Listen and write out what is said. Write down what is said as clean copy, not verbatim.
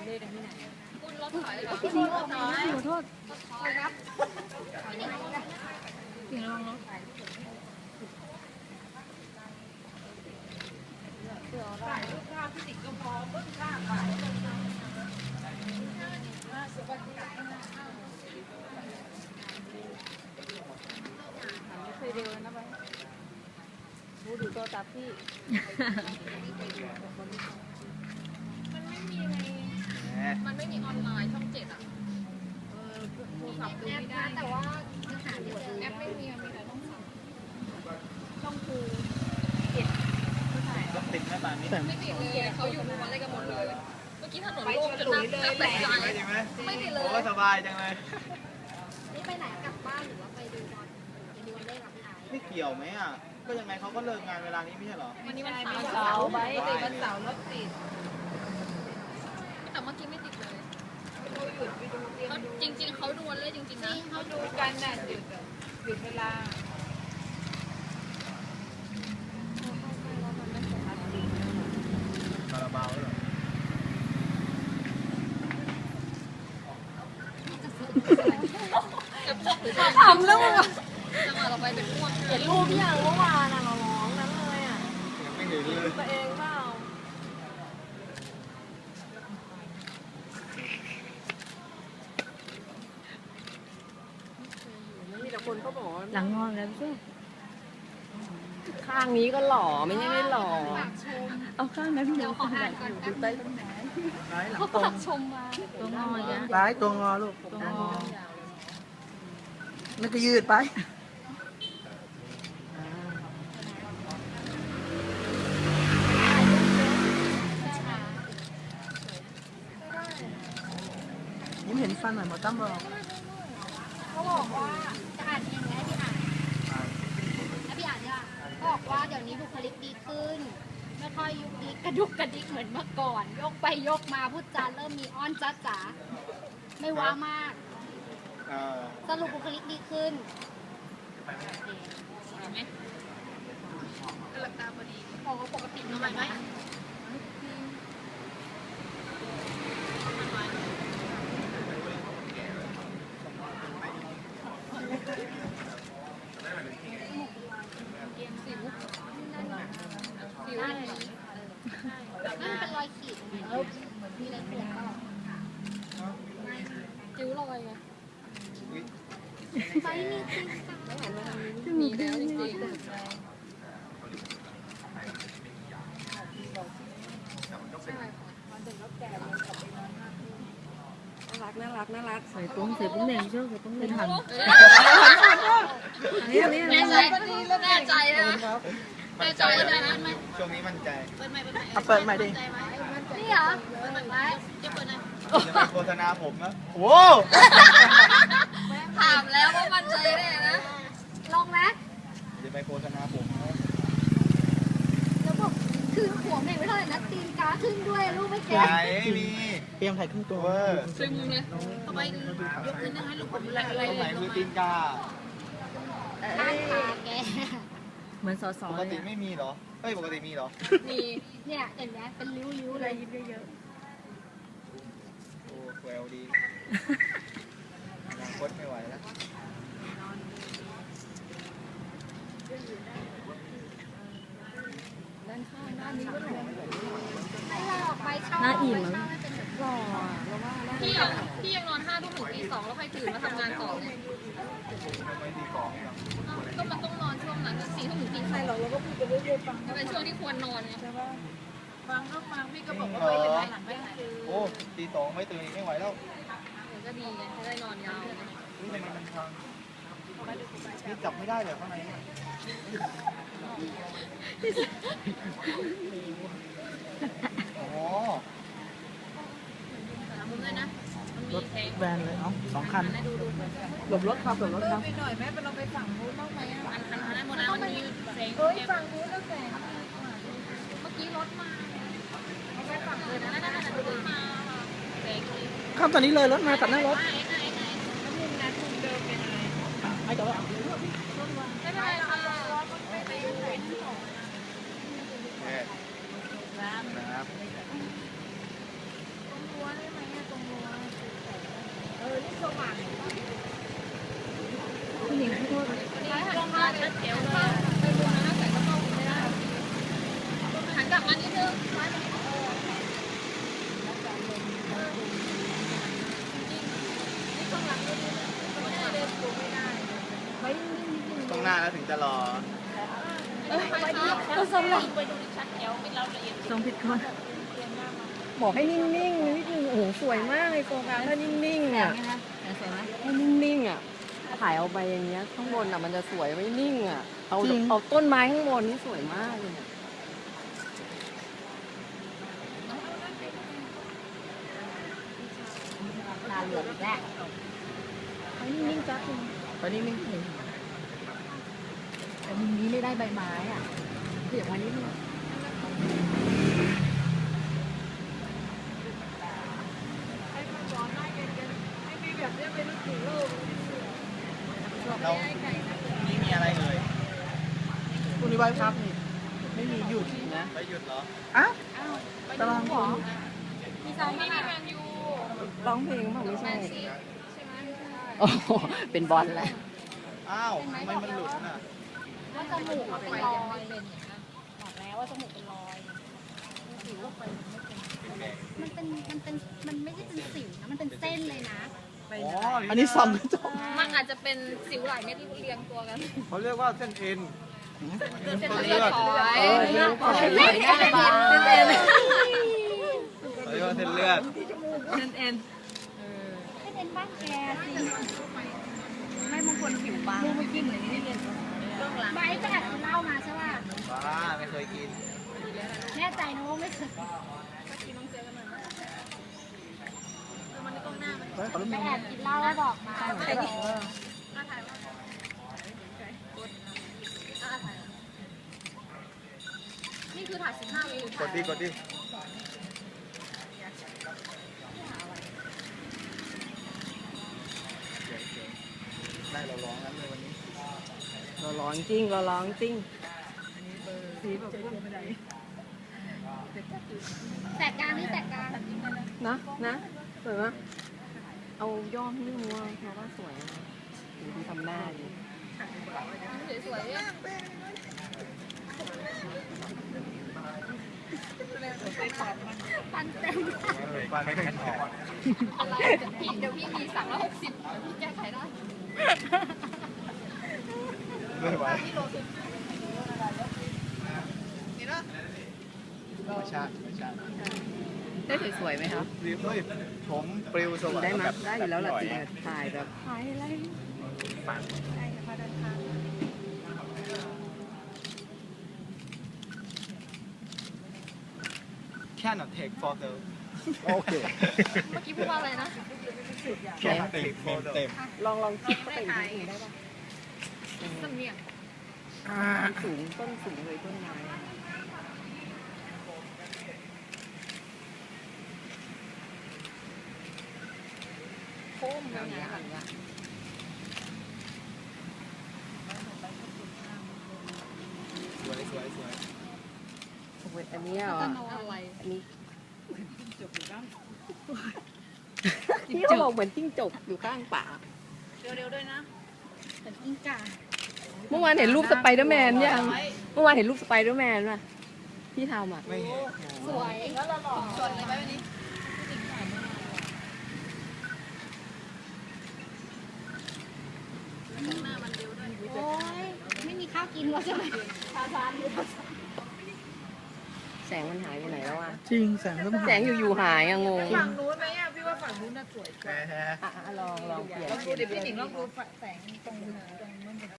เล่นกันที่ไหนคุณรถถอยเหรอพี่ซีออกมาขอโทษถอยครับถึงระวังรถถอยไม่เคยเร็วนะไปดูตัวตับพี่มันไม่มีออนไลน์ช่อง7อ่ะโทรศัพท์ดูไม่ได้แต่ว่าหาไม่เจอแอปไม่มีมีแต่ต้องสั่งช่องคูติดไหมป่านนี้ไม่ติดเลยเขาอยู่วันอะไรกันหมดเลยเมื่อกี้ถนนโล่งจนนับแต่ใจไม่ติดเลยก็สบายจังเลยนี่ไปไหนกลับบ้านหรือว่าไปดูบอลไปดูบอลเล่กับพี่ไอ้ไม่เกี่ยวไหมอ่ะก็ยังไงเขาก็เลิกงานเวลานี้ไม่ใช่หรอวันนี้วันเสาร์ไปวันเสาร์รถติดแต่เมื่อกี้ไม่ติดเลยจริงๆเขาดูวันเล่จริงๆนะเขาดูกันน่ะหยุดเวลาคาราบาวเหรอทำแล้วมึงอะจังหวะเราไปเป็นพวกเห็นรูปอย่างเมื่อวานอะเราร้องนั้นเลยอะยังไม่เห็นเลยตัวเองเปล่ามีแต่คนเขาบอกหลังงอนแล้วใช่ข้างนี้ก็หล่อไม่ใช่ไม่หล่อเอาข้างนั้นเดี๋ยวขออ่านก่อนดูใต้ต้นไม้เขาปักชมมาตัวงอเนี่ยซ้ายตัวงอลูกตัวงอนั่นก็ยืดไปยิ้มเห็นฟันหน่อยหมอตั้มบอกเขาบอกว่าจะอ่านเองไหมพี่อ่านแล้วพี่อ่านเนี่ยบอกว่าเดี๋ยวนี้บุคลิกดีขึ้นไม่ค่อยยุกยิกกระดุกกระดิกเหมือนเมื่อก่อนยกไปยกมาพูดจาเริ่มมีอ้อนจ้าจ๋าไม่ว้ามากสรุปบุคลิกดีขึ้นเห็นไหมหลับตาพอดีพอปกติทำไมไหมสิวนั่นเป็นรอยขีดมีอะไรเปลี่ยนก็คิ้วรอยไงไม่มีจริงค่ะมีแล้วจริงน่ารักใส่ปุ้งแดงเชื่อใส่ปุ้งแดงหันแน่ใจแน่ใจนะแน่ใจได้ไหมช่วงนี้มั่นใจเปิดใหม่เปิดใหม่ดินี่เหรอเปิดใหม่ไหมจะเปิดไหนจะไปโฆษณาผมนะโอ้ถามแล้วว่ามั่นใจได้นะลงนะจะไปโฆษณาผมนะแล้วบอกคือหัวแม่งไม่เท่าไหร่นะตีนกาขึ้นด้วยลูกไม่แก่มีเตรียมไข่ครึ่งตัวซึมเลยทำไมยกขึ้นให้ลูกผมอะไรตรงไหนคือตีนกาข้างขาแกเหมือนสอปกติไม่มีเหรอเฮ้ยปกติมีเหรอมีเนี่ยอย่างเงี้ยเป็นริ้วเลยยิ้มเยอะโอ้แววดียังคดไม่ไหวแล้วด้านข้างด้านนี้ก็หล่อให้เราออกไปเช่าหน้าอิ่มมั้งหล่อแล้วว่าพี่ยังนอน5 ทุ่มถึงตี 2แล้วใครตื่นมาทำงานต่อเนี่ยก็มันต้องนอนช่วงนั้น4 ทุ่มถึงตี 2เราก็พูดไปเรื่อยๆฟังเป็นช่วงที่ควรนอนไงฟังก็ฟังพี่ก็บอกว่าไปอยู่หลังไม่หายโอ้ตี 2ไม่ตื่นไม่ไหวแล้วก็ดีไงจะได้นอนยาวนี่เป็นมันทางนี่จับไม่ได้เลยข้างในโอ้มุมเลยนะรถแวนเลยเอ้า2 คันหลบรถครับไปหน่อยแม่ไปเราไปฝั่งนู้นบ้างไหมอันนั้นหมดแล้วมันมีแสงฝั่งนู้นแล้วแสงเมื่อกี้รถมาไปฝั่งเลยนะนั่นรถมาแสงครับตอนนี้เลยรถมาตัดหน้ารถไม่ต่อแล้วไม่เป็นไรค่ะไม่ไปยุ่งเลยครับชัดเจนเลยไปดูนะใส่กระเป๋าไม่ได้หันกลับมานิดนึงตรงหน้าแล้วถึงจะรอก็สำหรับไปดูดิชัดแถวเป็นเราละเอียดทรงผิดคนบอกให้นิ่งๆนิดนึงโอ้โหสวยมากเลยโฟกัสถ้านิ่งๆอ่ะให้นิ่งๆอ่ะถ่ายเอาไปอย่างเงี้ยข้างบนอ่ะมันจะสวยไม่นิ่งอ่ะเอาต้นไม้ข้างบนนี่สวยมากเลยเนี่ยตาเหลือกอีกแล้วเอานิ่งๆจ้ะตอนนี้นิ่งเลยแต่มุมนี้ไม่ได้ใบไม้อ่ะเดี๋ยววันนี้นึงเรานี่มีอะไรเอ่ยคุณนิวัฒน์ครับนี่ไม่มีหยุดนะไปหยุดเหรออ้าวตารางคุณมีซองไม่มีแมนยูร้องเพลงเปล่าไม่ใช่โอ้โหเป็นบอลแหละอ้าวทำไมมันหลุดน่ะว่าจมูกเป็นรอยบอกแล้วว่าจมูกเป็นรอยสิวมันไม่ใช่เป็นสิวนะมันเป็นเส้นเลยนะอ๋ออันนี้ส่องกระจกมันอาจจะเป็นสิวหลายเม็ดที่เรียงตัวกันเขาเรียกว่าเส้นเอ็นเส้นเลือดฝอยเรื่องของเส้นไหนเลือดได้บ้างเขาเรียกว่าเส้นเลือดเส้นเอ็นให้เป็นบ้านแกสิไม่บางคนผิวบางเมื่อกี้เหมือนนี่เรียนใบก็แอบกินเหล้ามาใช่ป่ะบ้าไม่เคยกินแน่ใจนะว่าไม่เคยเฮ้ยขอรูปไปนึงแอบกินเหล้าแล้วบอกมานี่คือถ่าย15 วิวกดดิกดดิได้เราร้องนั้นเลยวันนี้เราร้องจริงเราร้องจริงสีแบบพวกไม่ได้แสกกลางนี่แสกกลางนะสวยปะเอาย่อมนี่มัวเพราะว่าสวยนะดูทำหน้าดิสวยๆปันเต็มฟันไม่แข็งออกอะไรเดี๋ยวพี่มี360เดี๋ยวพี่แก้ไขได้ไม่ไหวไม่ชาติไม่ชาติได้สวยๆไหมครับรีบเฮ้ยผมปลิวสวัสได้ดิ์ไหมแบบได้อยู่แล้วแหละหน่จริงอะๆถ่ายแบบถ่ายอะไร cannot take photo โอเคเมื่อกี้พูดว่าอะไรนะ cannot take photo ลองคิดเข้าไปอีกนิดนึงได้ปะสำเนียงมันสูงต้นสูงเลยต้นไม้โค้งอย่างเงี้ยสวยสวยสวยโอ้ยอันเนี้ยเหรออะไรอันนี้ที่เขาบอกเหมือนจิ้งจกอยู่ข้างป่าเร็วๆด้วยนะเป็นกิ้งก่าเมื่อวานเห็นรูปสไปเดอร์แมนยังเมื่อวานเห็นรูปสไปเดอร์แมนป่ะที่ทำอ่ะไม่เห็นสวยแล้วเราหล่อสดเลยไหมวันนี้โอ้ยไม่มีข้าวกินแล้วใช่ไหมชาซานอยู่แสงมันหายไปไหนแล้วอ่ะจริงแสงสมแสงอยู่ๆหายอ่ะงงฝั่งนู้นไหมอ่ะพี่ว่าฝั่งนู้นน่ะสวยแพ้อ่ะลองเปลี่ยนลองดูเดี๋ยวพี่หนิงลองดูแสงตรงนู้น